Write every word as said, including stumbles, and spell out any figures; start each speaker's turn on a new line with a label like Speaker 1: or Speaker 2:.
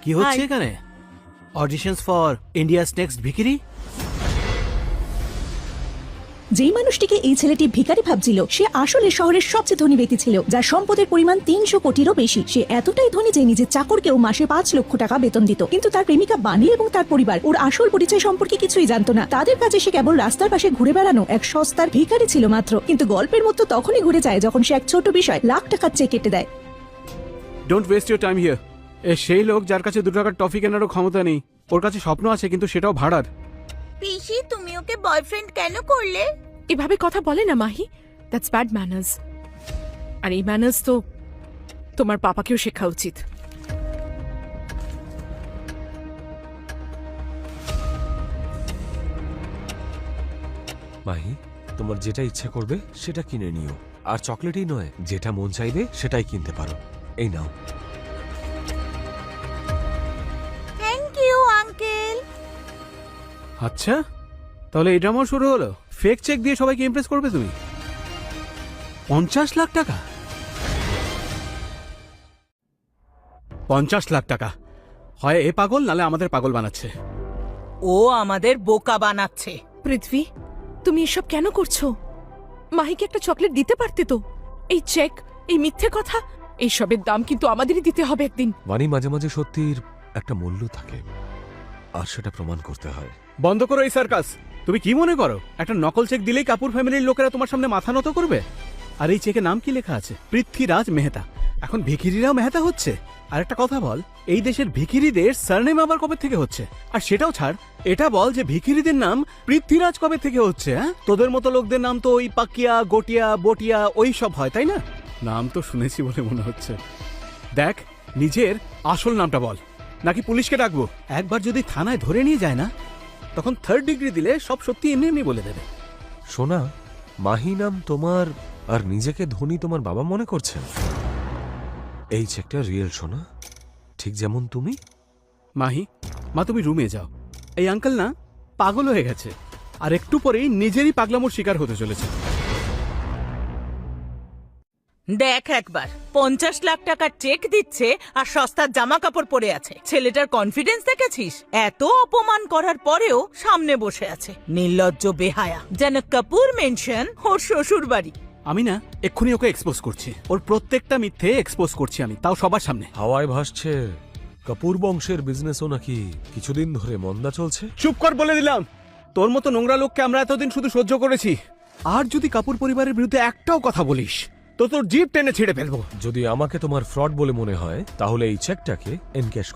Speaker 1: কি হচ্ছে এখানে? অডিশনস ফর ইন্ডিয়াস নেক্সট ভিকিরি?
Speaker 2: যেই মানুষটিকে এই ছেলেটি ভিখারি ভাবছিল সে আসলে শহরের সবচেয়ে ধনী ব্যক্তি ছিল, যার সম্পদের পরিমাণ তিনশো কোটিরও বেশি। সে এতটাই ধনী যে নিজের চাকরকেও মাসে পাঁচ লক্ষ টাকা বেতন দিত। কিন্তু তার প্রেমিকা বানি এবং তার পরিবার ওর আসল পরিচয় সম্পর্কে কিছুই জানতো না। তাদের কাছে সে কেবল রাস্তার পাশে ঘুরে বেড়ানো এক সস্তার ভিখারি ছিল মাত্র। কিন্তু গল্পের মতো তখনই ঘুরে যায় যখন সে এক ছোট বিষয় লাখ টাকার চেক কেটে দেয়।
Speaker 3: Don't waste your time here. এ সেই লোক যার কাছে দু টাকার টফি কেনারও ক্ষমতা নেই। ওর কাছে স্বপ্ন আছে কিন্তু সেটাও ভাড়ার।
Speaker 4: পিসি, তুমি ওকে বয়ফ্রেন্ড কেন করলে?
Speaker 5: এভাবে কথা বলে না মাহি, দ্যাটস ব্যাড ম্যানার্স। আর এই ম্যানার্স তো তোমার পাপাকেও শেখা উচিত।
Speaker 6: মাহি, তোমার যেটা ইচ্ছে করবে সেটা কিনে নিও। আর চকলেটই নয়, যেটা মন চাইবে সেটাই কিনতে পারো। এই নাও।
Speaker 4: Thank you uncle.
Speaker 3: আচ্ছা, তাহলে এই ড্রামা শুরু হলো। ফেক চেক দিয়ে সবাইকে ইমপ্রেস করবে তুমি? পঞ্চাশ লাখ টাকা পঞ্চাশ লাখ টাকা হয় এ পাগল, নালে আমাদের পাগল বানাচ্ছে।
Speaker 4: ও আমাদের বোকা বানাচ্ছে।
Speaker 5: পৃথ্বী, তুমি এসব কেন করছো? মাহিকে একটা চকলেট দিতে পারতে তো। এই চেক, এই মিথ্যে কথা, এইসবের দাম কিন্তু আমাদেরই দিতে হবে একদিন।
Speaker 6: বানি, মাঝে মাঝে সত্যির একটা মূল্য থাকে, আর সেটা প্রমাণ করতে হয়।
Speaker 3: বন্ধ করো এই সার্কাস। তুমি কি মনে করো একটা নকল চেক দিলেই কাপুর ফ্যামিলির লোকেরা তোমার সামনে মাথা নত করবে? আর এই চেকে নাম কি লেখা আছে? পৃথ্বীরাজ মেহতা। এখন ভিখিরিরাও মেহতা হচ্ছে। আর একটা কথা বল, এই দেশের ভিখিরিদের সারনেম আবার কবে থেকে হচ্ছে? আর সেটাও ছাড়, এটা বল যে ভিখিরিদের নাম পৃথ্বীরাজ কবে থেকে হচ্ছে? হ্যাঁ, তোদের মতো লোকদের নাম তো ওই পাকিয়া, গটিয়া, বটিয়া ওই সব হয়, তাই না? নাম তো শুনেছি বলে মনে হচ্ছে। দেখ, নিজের আসল নামটা বল, নাকি পুলিশকে ডাকবো? একবার যদি থানায় ধরে নিয়ে যায় না, তখন থার্ড ডিগ্রি দিলে সব সত্যি এমনি এমনি বলে দেবে।
Speaker 6: সোনা, মাহি নাম তোমার, আর নিজেকে ধনী তোমার বাবা মনে করছেন। এই চেকটা রিয়েল সোনা, ঠিক যেমন তুমি।
Speaker 3: মাহি, মা তুমি রুমে যাও। এই আঙ্কেল না পাগল হয়ে গেছে, আর একটু পরেই নিজেরই পাগলামোর শিকার হতে চলেছে।
Speaker 4: দেখ একবার, পঞ্চাশ লাখ টাকার চেক দিচ্ছে আর সস্তার জামা কাপড় পরে আছে। ছেলেটার কনফিডেন্স দেখেছিস? এত অপমান করার পরেও সামনে বসে আছে। নির্লজ্জ বেহায়া, যেন কাপুর মেনশন ওর শ্বশুর বাড়ি।
Speaker 3: আমি না এক্ষুনি ওকে এক্সপোজ করছি। ওর প্রত্যেকটা মিথ্যে এক্সপোজ করছি আমি, তাও সবার সামনে।
Speaker 6: হাওয়ায় ভাসছে কাপুর বংশের বিজনেসও নাকি কিছুদিন ধরে মন্দা চলছে।
Speaker 3: চুপ কর বলে দিলাম। তোর মতো নোংরা লোককে আমরা এতদিন শুধু সহ্য করেছি, আর যদি কাপুর পরিবারের বিরুদ্ধে একটাও কথা বলিস তো তোর জিভ টেনে ছিঁড়ে ফেলবো।
Speaker 6: যদি আমাকে তোমার ফ্রড বলে মনে হয় তাহলে এই চেকটাকে এনক্যাশ